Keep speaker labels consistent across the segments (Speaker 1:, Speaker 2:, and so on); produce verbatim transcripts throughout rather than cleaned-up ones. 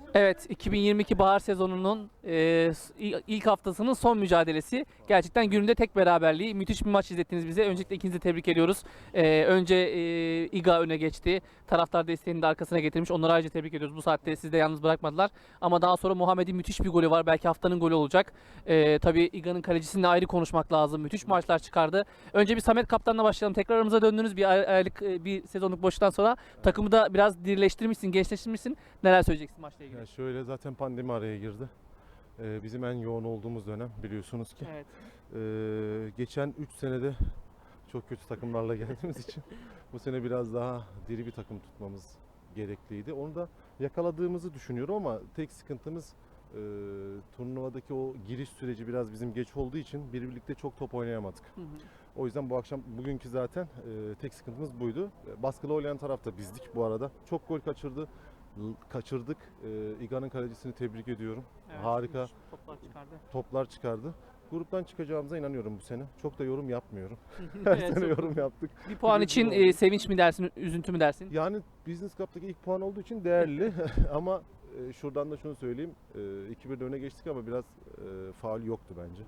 Speaker 1: Evet, iki bin yirmi iki bahar sezonunun e, s- il- ilk haftasının son mücadelesi. Gerçekten gününde tek beraberliği. Müthiş bir maç izlettiniz bize. Öncelikle ikinizi de tebrik ediyoruz. E, önce e, İGA öne geçti. Taraftar desteğini de arkasına getirmiş. Onları ayrıca tebrik ediyoruz. Bu saatte sizi de yalnız bırakmadılar. Ama daha sonra Muhammed'in müthiş bir golü var. Belki haftanın golü olacak. E, tabii İGA'nın kalecisinle ayrı konuşmak lazım. Müthiş maçlar çıkardı. Önce bir Samet Kaptan'la başlayalım. Tekrar aramıza döndünüz bir ay- aylık e, bir sezonluk boşluktan sonra. Takımı da biraz dirileştirmişsin, gençleştirmişsin. Neler söyleyeceksin maçla ilgili?
Speaker 2: Ya şöyle zaten pandemi araya girdi. Ee, bizim en yoğun olduğumuz dönem biliyorsunuz ki.
Speaker 1: Evet.
Speaker 2: Ee, geçen üç senede çok kötü takımlarla geldiğimiz için bu sene biraz daha diri bir takım tutmamız gerekliydi. Onu da yakaladığımızı düşünüyorum ama tek sıkıntımız e, turnuvadaki o giriş süreci biraz bizim geç olduğu için bir birlikte çok top oynayamadık.
Speaker 1: Hı hı.
Speaker 2: O yüzden bu akşam bugünkü zaten e, tek sıkıntımız buydu. E, Baskılı oynayan taraf da bizdik bu arada. Çok gol kaçırdı. L- Kaçırdık. E, İGA'nın kalecisini tebrik ediyorum.
Speaker 1: Evet,
Speaker 2: Harika
Speaker 1: müthiş toplar çıkardı.
Speaker 2: toplar çıkardı. Gruptan çıkacağımıza inanıyorum bu sene. Çok da yorum yapmıyorum. Her
Speaker 1: Evet,
Speaker 2: sene
Speaker 1: çok-
Speaker 2: yorum yaptık.
Speaker 1: Bir puan
Speaker 2: Üzücü
Speaker 1: için
Speaker 2: oldu.
Speaker 1: e, sevinç mi dersin, üzüntü mü dersin?
Speaker 2: Yani Business Cup'taki ilk puan olduğu için değerli ama e, şuradan da şunu söyleyeyim. E, iki birde öne geçtik ama biraz e, faul yoktu bence.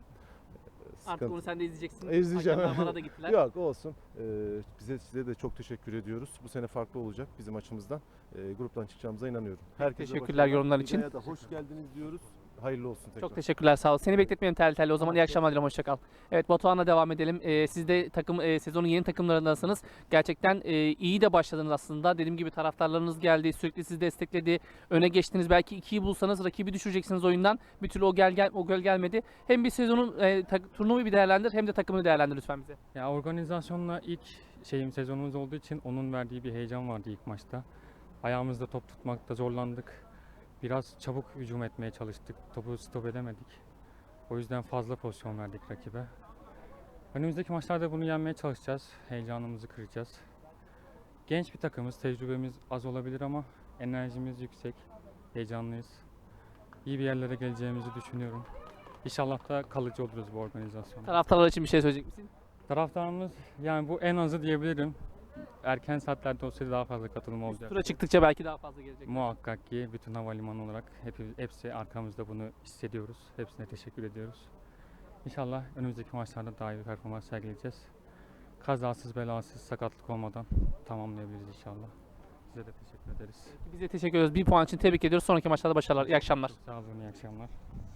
Speaker 2: E,
Speaker 1: Artık onu sen de izleyeceksin.
Speaker 2: İzleyeceğim.
Speaker 1: Hakemler bana da gittiler.
Speaker 2: Yok olsun. Ee, bize size de çok teşekkür ediyoruz. Bu sene farklı olacak bizim açımızdan. Ee, gruptan çıkacağımıza inanıyorum. Herkese
Speaker 1: teşekkürler
Speaker 2: başarılar.
Speaker 1: yorumlar için.
Speaker 2: İGA'ya da hoş geldiniz diyoruz. Hayırlı olsun tekrar.
Speaker 1: Çok teşekkürler, sağ ol. Seni bekletmeyelim tel tel. O zaman
Speaker 2: Tamam,
Speaker 1: iyi
Speaker 2: çok-
Speaker 1: akşamlar dilerim, hoşça kal. Evet, Batuhan'la devam edelim. Ee, siz de takım e, sezonun yeni takımlarındasınız. Gerçekten e, iyi de başladınız aslında. Dediğim gibi taraftarlarınız geldi, sürekli sizi destekledi. Öne geçtiniz. Belki ikiyi bulsanız rakibi düşüreceksiniz oyundan. Bir türlü o gel, gel o gol gelmedi. Hem bir sezonun e, tak- turnuvayı bir değerlendir hem de takımını değerlendir lütfen bize.
Speaker 3: Ya organizasyonla ilk şeyim sezonumuz olduğu için onun verdiği bir heyecan vardı ilk maçta. Ayağımızda top tutmakta zorlandık. Biraz çabuk hücum etmeye çalıştık. Topu stop edemedik. O yüzden fazla pozisyon verdik rakibe. Önümüzdeki maçlarda bunu yenmeye çalışacağız. Heyecanımızı kıracağız. Genç bir takımız, tecrübemiz az olabilir ama enerjimiz yüksek. Heyecanlıyız. İyi bir yerlere geleceğimizi düşünüyorum. İnşallah da kalıcı oluruz bu organizasyonda.
Speaker 1: Taraftarlar için bir şey söyleyecek misin?
Speaker 3: Taraftarımız yani bu en azı diyebilirim. Erken saatlerde olsaydı daha fazla katılım olacak.
Speaker 1: Tura çıktıkça belki daha fazla gelecek.
Speaker 3: Muhakkak ki bütün havalimanı olarak hep, hepsi arkamızda bunu hissediyoruz. Hepsine teşekkür ediyoruz. İnşallah önümüzdeki maçlarda daha iyi bir performans sergileyeceğiz. Kazasız belasız sakatlık olmadan tamamlayabiliriz inşallah. Size de teşekkür ederiz.
Speaker 1: Biz de teşekkür ediyoruz. Bir puan için tebrik ediyoruz. Sonraki maçlarda başarılar. İyi akşamlar.
Speaker 3: Çok sağ olun, iyi akşamlar.